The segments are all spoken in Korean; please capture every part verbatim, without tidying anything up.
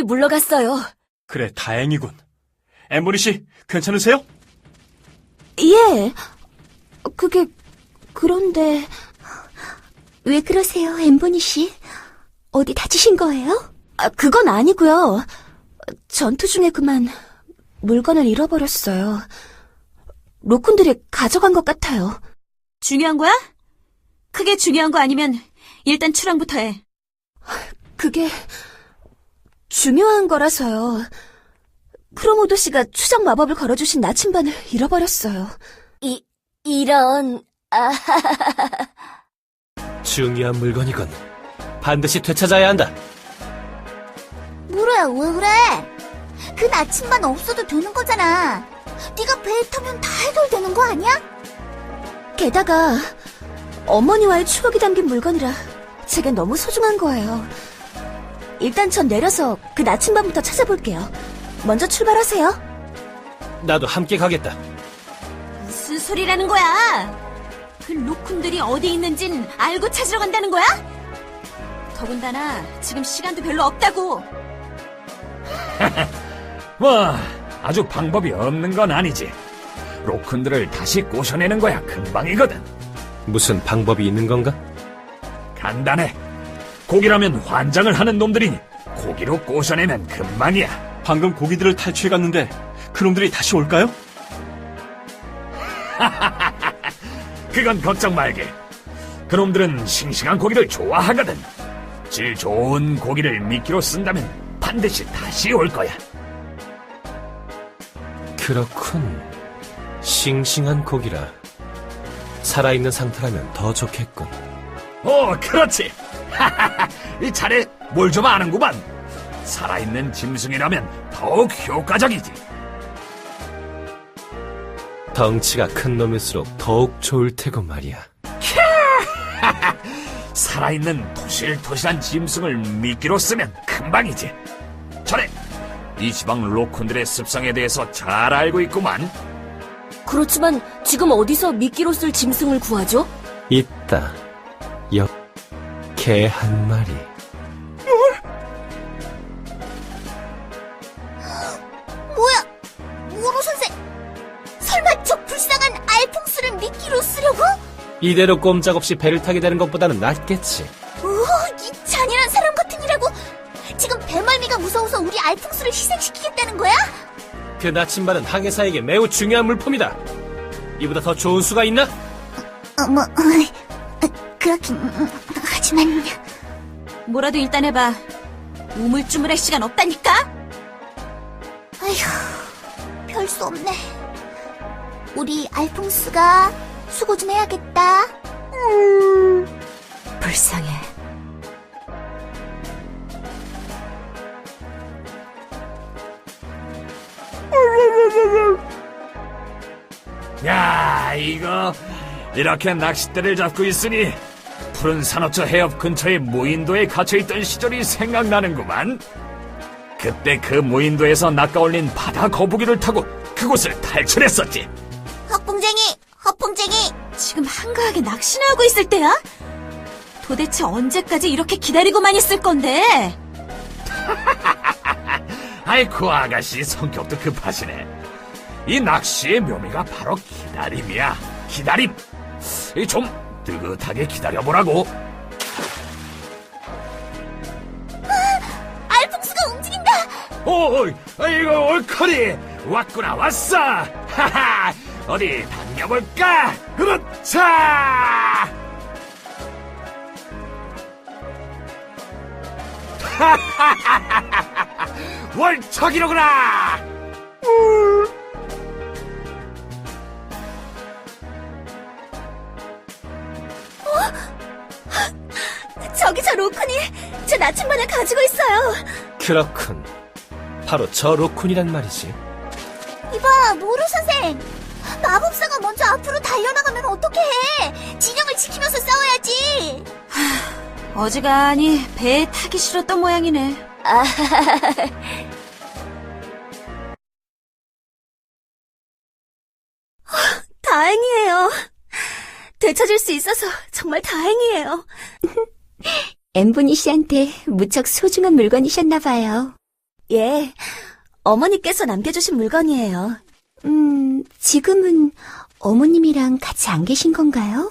물러갔어요. 그래, 다행이군. 엠보니 씨, 괜찮으세요? 예. 그게, 그런데... 왜 그러세요, 엠보니 씨? 어디 다치신 거예요? 아, 그건 아니고요. 전투 중에 그만 물건을 잃어버렸어요. 로쿤들이 가져간 것 같아요. 중요한 거야? 크게 중요한 거 아니면 일단 출항부터 해. 그게 중요한 거라서요. 크로모도 씨가 추적 마법을 걸어주신 나침반을 잃어버렸어요. 이, 이런... 아... 중요한 물건이건 반드시 되찾아야 한다. 뭐래, 왜 그래? 그 나침반 없어도 되는 거잖아. 네가 배에 타면 다 해결되는 거 아니야? 게다가 어머니와의 추억이 담긴 물건이라 제게 너무 소중한 거예요. 일단 전 내려서 그 나침반부터 찾아볼게요. 먼저 출발하세요. 나도 함께 가겠다. 무슨 소리라는 거야? 그 로쿤들이 어디 있는진 알고 찾으러 간다는 거야? 더군다나 지금 시간도 별로 없다고. 뭐 아주 방법이 없는 건 아니지. 로쿤들을 다시 꼬셔내는 거야 금방이거든. 무슨 방법이 있는 건가? 간단해. 고기라면 환장을 하는 놈들이니 고기로 꼬셔내면 금방이야. 방금 고기들을 탈취해갔는데 그놈들이 다시 올까요? 그건 걱정 말게. 그놈들은 싱싱한 고기를 좋아하거든. 질 좋은 고기를 미끼로 쓴다면 반드시 다시 올 거야. 그렇군. 싱싱한 고기라. 살아있는 상태라면 더 좋겠군. 오, 그렇지. 이 차례 뭘 좀 아는구만. 살아있는 짐승이라면 더욱 효과적이지. 덩치가 큰 놈일수록 더욱 좋을 테고 말이야. 살아있는 토실토실한 짐승을 미끼로 쓰면 금방이지. 전에 이 지방 로쿤들의 습성에 대해서 잘 알고 있구만. 그렇지만 지금 어디서 미끼로 쓸 짐승을 구하죠? 있다. 옆 개 한 마리. 뭐야? 모로 선생! 설마 저 불쌍한 알퐁스를 미끼로 쓰려고? 이대로 꼼짝없이 배를 타게 되는 것보다는 낫겠지. 오, 이 잔인한 사람 같은 이라고! 지금 배멀미가 무서워서 우리 알퐁스를 희생시키겠다는 거야? 그 나침반은 항해사에게 매우 중요한 물품이다. 이보다 더 좋은 수가 있나? 어, 뭐, 어, 그렇긴, 음, 하지만... 뭐라도 일단 해봐. 우물쭈물할 시간 없다니까? 아휴, 별 수 없네. 우리 알퐁스가 수고 좀 해야겠다. 음... 불쌍해. 야, 이거 이렇게 낚싯대를 잡고 있으니 푸른 산호초 해협 근처의 무인도에 갇혀있던 시절이 생각나는구만. 그때 그 무인도에서 낚아올린 바다 거북이를 타고 그곳을 탈출했었지. 헛봉쟁이! 헛봉쟁이! 지금 한가하게 낚시나 하고 있을 때야? 도대체 언제까지 이렇게 기다리고만 있을 건데? 아이고, 아가씨 성격도 급하시네. 이 낚시의 묘미가 바로 기다림이야. 기다림. 이 좀 느긋하게 기다려보라고. 알퐁스가 움직인다! 오, 이거 옳거니. 왔구나, 왔어. 하하, 어디 당겨볼까? 그렇자. 하하하하하, 월척이로구나. 저기 저 로쿤이 제 나침반을 가지고 있어요. 그렇군. 바로 저 로쿤이란 말이지. 이봐, 모루 선생! 마법사가 먼저 앞으로 달려나가면 어떡해! 진영을 지키면서 싸워야지! 어지간히 배에 타기 싫었던 모양이네. 아, 다행이에요. 되찾을 수 있어서 정말 다행이에요. 엠보니 씨한테 무척 소중한 물건이셨나봐요. 예, 어머니께서 남겨주신 물건이에요. 음, 지금은 어머님이랑 같이 안 계신 건가요?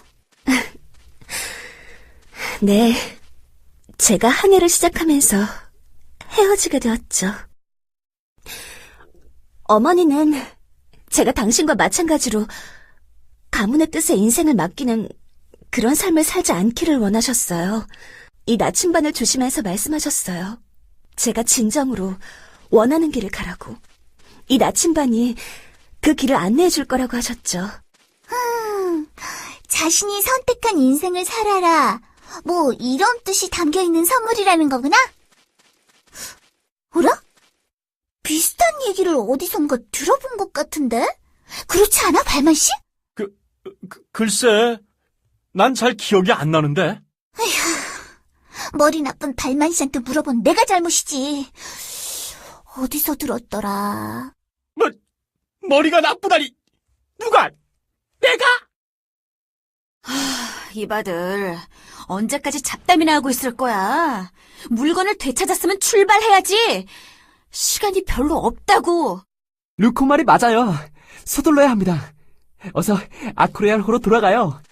네, 제가 항해를 시작하면서 헤어지게 되었죠. 어머니는 제가 당신과 마찬가지로 가문의 뜻에 인생을 맡기는 그런 삶을 살지 않기를 원하셨어요. 이 나침반을 주시면서 말씀하셨어요. 제가 진정으로 원하는 길을 가라고. 이 나침반이 그 길을 안내해 줄 거라고 하셨죠. 음, 자신이 선택한 인생을 살아라. 뭐 이런 뜻이 담겨있는 선물이라는 거구나? 어라? 비슷한 얘기를 어디선가 들어본 것 같은데? 그렇지 않아, 발만씨? 그, 글쎄, 난 잘 기억이 안 나는데. 머리 나쁜 발만씨한테 물어본 내가 잘못이지. 어디서 들었더라? 뭐, 머리가 나쁘다니. 누가? 내가? 이봐들, 언제까지 잡담이나 하고 있을 거야? 물건을 되찾았으면 출발해야지. 시간이 별로 없다고. 루코 말이 맞아요. 서둘러야 합니다. 어서 아크로얄호로 돌아가요.